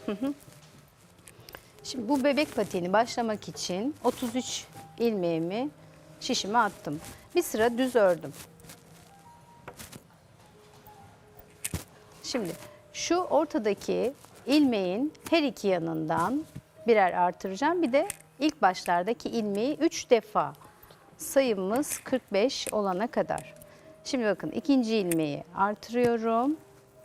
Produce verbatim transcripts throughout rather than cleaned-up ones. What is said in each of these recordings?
Şimdi bu bebek patiğini başlamak için otuz üç ilmeğimi şişime attım. Bir sıra düz ördüm. Şimdi şu ortadaki ilmeğin her iki yanından birer artıracağım. Bir de ilk başlardaki ilmeği üç defa, sayımız kırk beş olana kadar. Şimdi bakın ikinci ilmeği artırıyorum.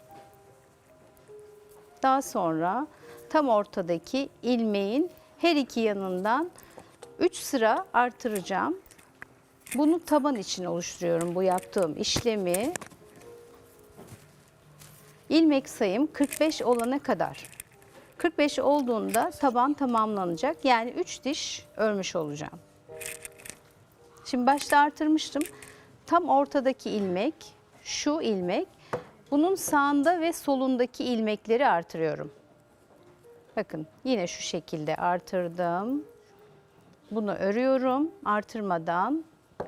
Daha sonra tam ortadaki ilmeğin her iki yanından üç sıra artıracağım. Bunu taban için oluşturuyorum bu yaptığım işlemi. İlmek sayım kırk beş olana kadar. kırk beş olduğunda taban tamamlanacak. Yani üç diş örmüş olacağım. Şimdi başta artırmıştım. Tam ortadaki ilmek, şu ilmek. Bunun sağında ve solundaki ilmekleri artırıyorum. Bakın yine şu şekilde artırdım. Bunu örüyorum artırmadan.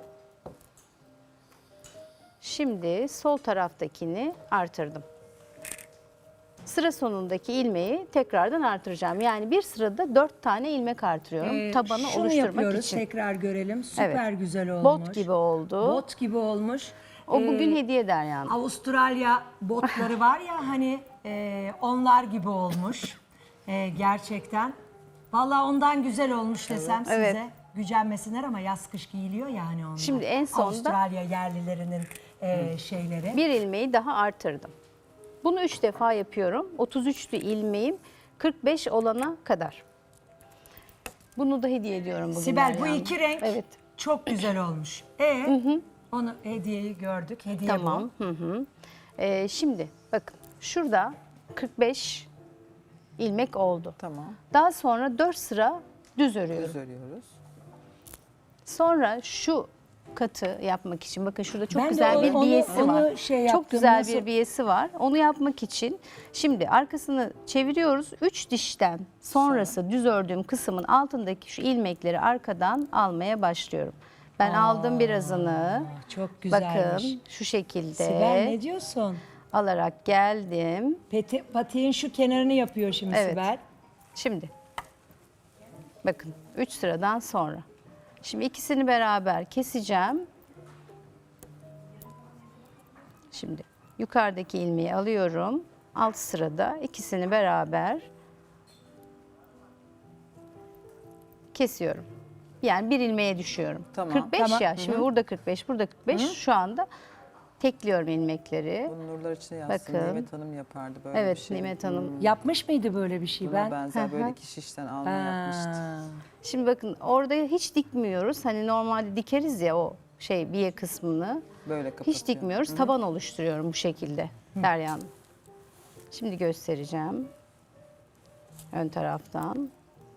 Şimdi sol taraftakini artırdım. Sıra sonundaki ilmeği tekrardan artıracağım. Yani bir sırada dört tane ilmek artırıyorum. Ee, tabanı şunu oluşturmak yapıyoruz, için. tekrar görelim. Süper Evet. güzel olmuş. Bot gibi oldu. Bot gibi olmuş. O bugün Ee, hediye Derya'nın. Avustralya botları var ya hani e, onlar gibi olmuş. E, gerçekten. Vallahi ondan güzel olmuş desem size. Evet. Gücenmesinler ama yaz kış giyiliyor yani onlar. Şimdi en sonda- Avustralya yerlilerinin e, şeyleri. Bir ilmeği daha artırdım. Bunu üç defa yapıyorum. otuz üçlü ilmeğim kırk beş olana kadar. Bunu da hediye ediyorum bugün. Sibel bu Derya iki Hanım. renk Evet. çok güzel olmuş. E onu hediyeyi gördük. Hediye Tamam. bu. Hı hı. Ee, şimdi bakın şurada kırk beş ilmek oldu. Tamam. Daha sonra dört sıra düz örüyorum. Düz örüyoruz. Sonra şu katı yapmak için bakın şurada çok Ben de güzel onu- bir onu- biyesi onu var. şey çok yaptım, güzel nasıl- bir biyesi var. Onu yapmak için şimdi arkasını çeviriyoruz. üç dişten sonrası düz ördüğüm kısmın altındaki şu ilmekleri arkadan almaya başlıyorum. Ben aldım birazını. Çok güzelmiş. Bakın şu şekilde Sibel ne diyorsun? alarak geldim. Peti, patiğin şu kenarını yapıyor şimdi Evet. Sibel. Şimdi bakın üç sıradan sonra. Şimdi ikisini beraber keseceğim. Şimdi yukarıdaki ilmeği alıyorum. Alt sırada ikisini beraber kesiyorum. Yani bir ilmeğe düşüyorum. Tamam. kırk beş Tamam. ya. Şimdi burada kırk beş, burada kırk beş. Şu anda tekliyorum ilmekleri. Bunu nurlar için yazsın. Bakın. Nimet Hanım yapardı böyle Evet bir şey. Nimet Hanım. Yapmış mıydı böyle bir şey Buna ben? benzer böyle iki şişten alma yapmıştı. Ha. Şimdi bakın orada hiç dikmiyoruz. Hani normalde dikeriz ya o şey biye kısmını. Böyle kapatıyor. Hiç dikmiyoruz. Taban oluşturuyorum bu şekilde Derya Hanım. Şimdi göstereceğim. Ön taraftan.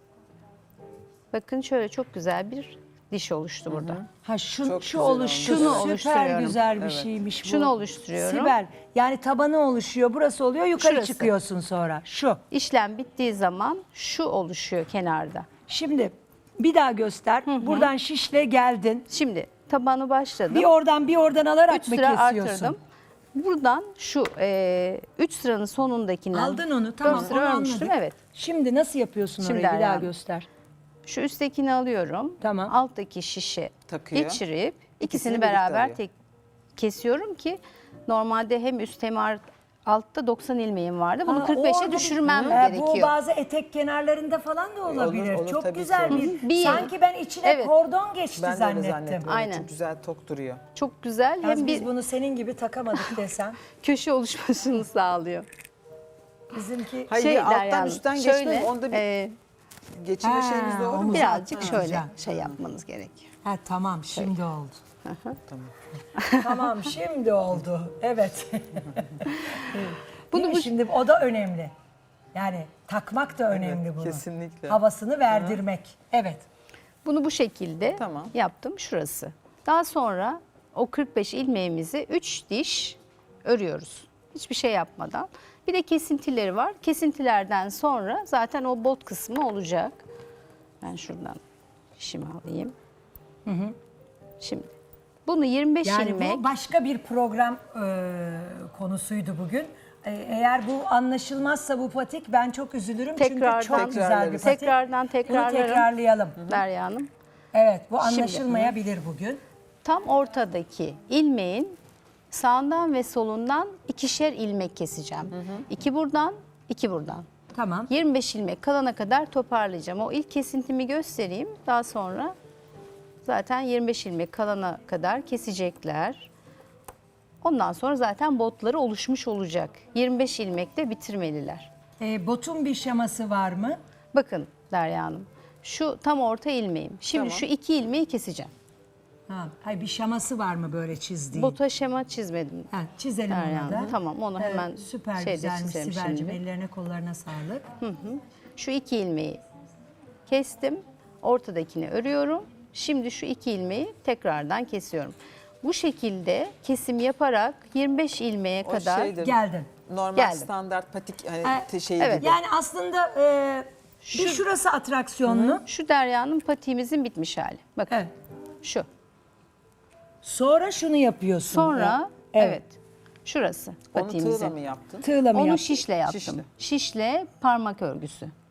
Bakın şöyle çok güzel bir diş oluştu burada. Ha şu, Çok şu güzel oluş, olmuş. şunu Şunu süper oluşturuyorum. güzel bir Evet. şeymiş bu. Şunu oluşturuyorum. Sibel yani tabanı oluşuyor, burası oluyor, yukarı Şurası. çıkıyorsun sonra. Şu. İşlem bittiği zaman şu oluşuyor kenarda. Şimdi bir daha göster. Buradan şişle geldin. Şimdi tabanı başladım. Bir oradan bir oradan alarak üç mı sıra kesiyorsun? artırdım. Buradan şu e, üç sıranın sonundakinden Aldın onu, tamam, dört sıra onu örmüştüm. anladık. Evet. Şimdi nasıl yapıyorsun Şimdi orayı? Bir daha ayağım. göster. Şu üsttekini alıyorum. Tamam. Alttaki şişi Takıyor. geçirip ikisini İkisini birlikte beraber alıyor. tek kesiyorum ki normalde hem üst hem ar- altta doksan ilmeğim vardı. Bunu Ha, kırk beşe orada- düşürmem Ee, gerekiyor. Bu bazı etek kenarlarında falan da olabilir. olur Çok tabii güzel ki. bir, Bir- sanki ben içine Evet. kordon geçti Ben de öyle zannettim. zannettim. Aynen. Çok güzel tok duruyor. Çok güzel Yalnız hem biz bir bunu senin gibi takamadık desem. köşe oluşmasını sağlıyor. Bizimki Hayır Şey bir alttan Derya Hanım, üstten şöyle, geçmez. Onda bir e, geçirme Ha, şeyimiz doğru mu? omuz- birazcık Ha, şöyle güzel. şey yapmanız gerekiyor. ha tamam şimdi oldu. Tamam. Tamam şimdi oldu. Evet. Bunu Bunu bu- şimdi o da önemli. Yani takmak da önemli bunu. kesinlikle. Havasını verdirmek. Evet. Bunu bu şekilde Tamam. yaptım şurası. Daha sonra o kırk beş ilmeğimizi üç diş örüyoruz. Hiçbir şey yapmadan. Bir de kesintileri var. Kesintilerden sonra zaten o bot kısmı olacak. Ben şuradan işimi alayım. Şimdi bunu yirmi beş Yani ilmek bu başka bir program e, konusuydu bugün. e, eğer bu anlaşılmazsa bu patik ben çok üzülürüm. Tekrardan- Çünkü çok güzel bir patik. Tekrardan Bunu tekrarlarım. tekrarlayalım. Derya Hanım. Evet, bu anlaşılmayabilir bugün. Tam ortadaki ilmeğin sağından ve solundan ikişer ilmek keseceğim. İki buradan, iki buradan. Tamam. yirmi beş ilmek kalana kadar toparlayacağım. O ilk kesintimi göstereyim. Daha sonra zaten yirmi beş ilmek kalana kadar kesecekler. Ondan sonra zaten botları oluşmuş olacak. yirmi beş ilmekte bitirmeliler. E, botun bir şaması var mı? Bakın Derya Hanım, şu tam orta ilmeğim. Şimdi Tamam. şu iki ilmeği keseceğim. Ha, hayır, bir şaması var mı böyle çizdiğin? Bota şema çizmedim. Ha, çizelim Derya onu da. Hanım. Tamam, onu Evet, hemen süper şeyde güzelmiş çizelim Sibel'cim. şimdi. Ellerine kollarına sağlık. Şu iki ilmeği kestim. Ortadakini örüyorum. Şimdi şu iki ilmeği tekrardan kesiyorum. Bu şekilde kesim yaparak yirmi beş ilmeğe O kadar şeydir. Geldin. Normal Geldim. standart patik hani Ha, te- şey evet. gibi. Yani aslında e, bir şurası atraksiyonlu. şu Derya'nın patiğimizin bitmiş hali. Bakın Evet. şu. Sonra şunu yapıyorsun. Sonra Evet. evet. Şurası Onu patiğimizin. tığla mı yaptın? Tığla mı Onu yaptın? şişle yaptım. Şişle. Şişle parmak örgüsü.